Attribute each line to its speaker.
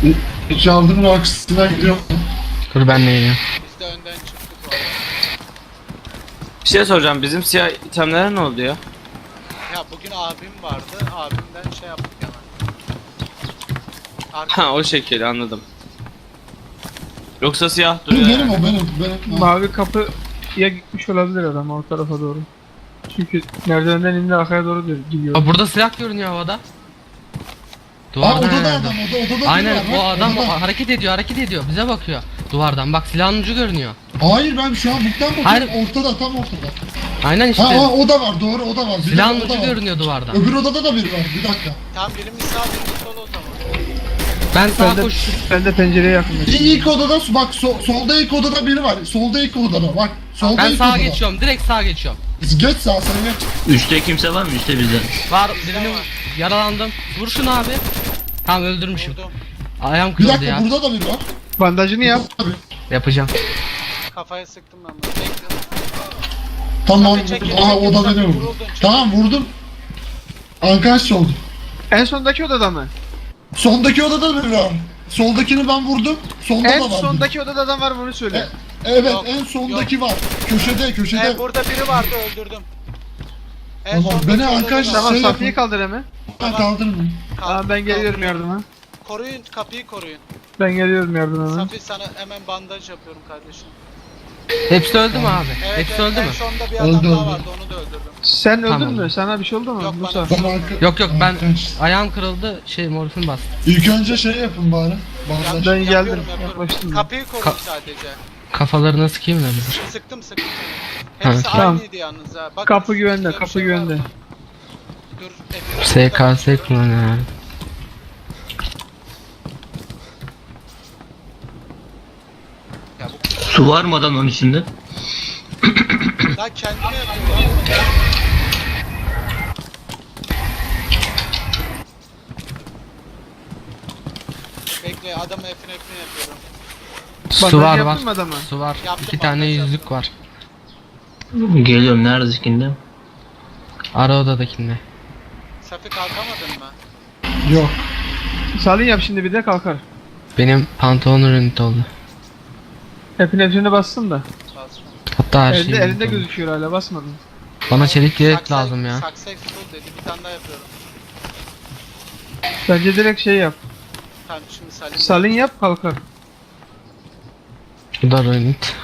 Speaker 1: Caldırın arkasına gidiyorum.
Speaker 2: Dur ben de geliyorum.
Speaker 3: Biz de önden çıktık valla.
Speaker 4: Bir şey soracağım. Bizim siyah itemlere ne oldu ya?
Speaker 3: Ya bugün abim vardı. Abimden şey yaptık hemen. Arka
Speaker 4: Ha o şekilde anladım. Yoksa siyah
Speaker 1: Benim,
Speaker 4: duruyor.
Speaker 1: benim
Speaker 4: yani.
Speaker 1: o benim. Ha.
Speaker 5: Mavi kapıya gitmiş olabilir adam o tarafa doğru. Çünkü merdivenden indi arkaya doğru gidiyor.
Speaker 2: Aa, burada silah görünüyor havada.
Speaker 1: Aa
Speaker 2: Duvardan
Speaker 1: odada
Speaker 2: herhalde.
Speaker 1: adam, odada
Speaker 2: Aynen
Speaker 1: biri var,
Speaker 2: o
Speaker 1: bak,
Speaker 2: adam
Speaker 1: odada.
Speaker 2: hareket ediyor bize bakıyor. Duvardan bak silahın ucu görünüyor.
Speaker 1: Hayır ben şu an buktan bakıyorum,
Speaker 2: Hayır.
Speaker 1: ortada, tam ortada.
Speaker 2: Aynen işte.
Speaker 1: Ha o da var, doğru, o da var. Bir
Speaker 2: Silahın
Speaker 1: de o da
Speaker 2: ucu
Speaker 1: var.
Speaker 2: görünüyor duvardan.
Speaker 1: Öbür odada da biri var, bir dakika.
Speaker 3: tam birimiz sağ birimiz sol o zaman.
Speaker 2: Ben sağa
Speaker 5: Ben
Speaker 2: koşuyorum.
Speaker 5: de pencereye yakınlaşıyorum.
Speaker 1: İlk odada, bak solda ilk odada biri var. Solda ilk odada, bak. Solda
Speaker 2: Ben
Speaker 1: ilk
Speaker 2: sağa
Speaker 1: odada.
Speaker 2: geçiyorum. Direkt sağa geçiyorum.
Speaker 1: Geç sağa, sen geç.
Speaker 6: Üstte kimse var mı? Üstte bizden.
Speaker 2: Var birini yaralandım. Vur şunu abi. Tamam öldürmüşüm.
Speaker 3: Vurdum.
Speaker 2: Ayağım
Speaker 1: Bir
Speaker 2: kırıldı
Speaker 1: dakika,
Speaker 2: ya.
Speaker 1: burada da biri var.
Speaker 5: Bandajını yap.
Speaker 1: Tabii.
Speaker 2: Yapacağım.
Speaker 3: Kafaya sıktım ben bunu. Bekle.
Speaker 1: Tamam,
Speaker 3: Tabii, çekil,
Speaker 1: aha
Speaker 3: çekil,
Speaker 1: o da
Speaker 3: tabii,
Speaker 1: beni vurdu.
Speaker 3: vuruldun, çekil.
Speaker 1: Tamam vurdum. Arkadaş oldu.
Speaker 5: En sondaki odada mı?
Speaker 1: Sondaki odada da biri var. Soldakini ben vurdum. Sonda
Speaker 5: En
Speaker 1: da var.
Speaker 5: sondaki odada adam var bunu söyle.
Speaker 1: Evet,
Speaker 3: Yok,
Speaker 1: en sondaki var. Köşede.
Speaker 3: Burada biri vardı öldürdüm.
Speaker 1: Tamam,
Speaker 3: sondaki
Speaker 1: beni
Speaker 3: odada
Speaker 1: arkadaş-
Speaker 3: var.
Speaker 5: Tamam
Speaker 1: şey
Speaker 5: Safiye
Speaker 1: yapın.
Speaker 5: kaldır hemen.
Speaker 1: Ben kaldırmayayım.
Speaker 5: Tamam ben geliyorum yardıma.
Speaker 3: Koruyun kapıyı koruyun.
Speaker 5: Ben geliyorum yardıma hemen.
Speaker 3: Safi sana hemen bandaj yapıyorum kardeşim.
Speaker 2: Hepsi öldü mü abi?
Speaker 3: Evet,
Speaker 2: Hepsi öldü
Speaker 3: en
Speaker 2: mü?
Speaker 3: sonda bir adam
Speaker 1: Öldü,
Speaker 3: daha
Speaker 1: öldü.
Speaker 3: vardı onu da öldürdüm.
Speaker 5: Sen öldün
Speaker 2: Tamam.
Speaker 5: mü? Sana bir şey oldu mu?
Speaker 3: Yok,
Speaker 5: Musa.
Speaker 3: bana-
Speaker 2: Yok ben
Speaker 1: Arkadaş,
Speaker 2: ayağım kırıldı morfin bastı.
Speaker 1: İlk önce şey yapın bari. Bandaj.
Speaker 5: Ben geldim,
Speaker 3: Yapıyorum.
Speaker 5: yaklaştım.
Speaker 3: Kapıyı koruyun sadece.
Speaker 2: Kafalarına sıkayım da bir.
Speaker 3: Sıktım. Hepsi
Speaker 2: Ha,
Speaker 5: tamam.
Speaker 3: aynıydı yalnız ha. Bakın,
Speaker 5: Kapı güvende,
Speaker 3: size bir
Speaker 5: kapı
Speaker 3: şey var
Speaker 5: güvende.
Speaker 3: mı? Dur.
Speaker 2: SKS kullanıyor.
Speaker 3: Ya bu
Speaker 6: Su var mı adam onun içinde?
Speaker 3: daha kendine yapıyor. Bekle adamı efine yapıyorum.
Speaker 2: Su
Speaker 5: Bandaj
Speaker 2: var
Speaker 5: yaptın mı adama?
Speaker 2: Su var.
Speaker 3: Yaptım,
Speaker 2: 2 tane
Speaker 3: bandaj
Speaker 2: yüzlük
Speaker 3: yaptım.
Speaker 2: var.
Speaker 6: Geliyorum neredekinde?
Speaker 2: Ara odadakinde.
Speaker 3: Safi kalkamadın mı?
Speaker 1: Yok.
Speaker 5: Salin yap şimdi bir de kalkar.
Speaker 2: Benim pantolon ünite oldu.
Speaker 5: Hepsine bastım da.
Speaker 3: Basma.
Speaker 2: Hatta her şey.
Speaker 5: Elinde gözüküyor hala basmadın.
Speaker 2: Bana çelik yelek
Speaker 3: Saksı-
Speaker 2: lazım ya.
Speaker 3: Saksı full dedi. Bir tane daha yapıyorum.
Speaker 5: Bence direkt şey yap.
Speaker 3: Tamam şimdi Salim.
Speaker 5: Salin yap kalkar.
Speaker 2: Bu da ünit.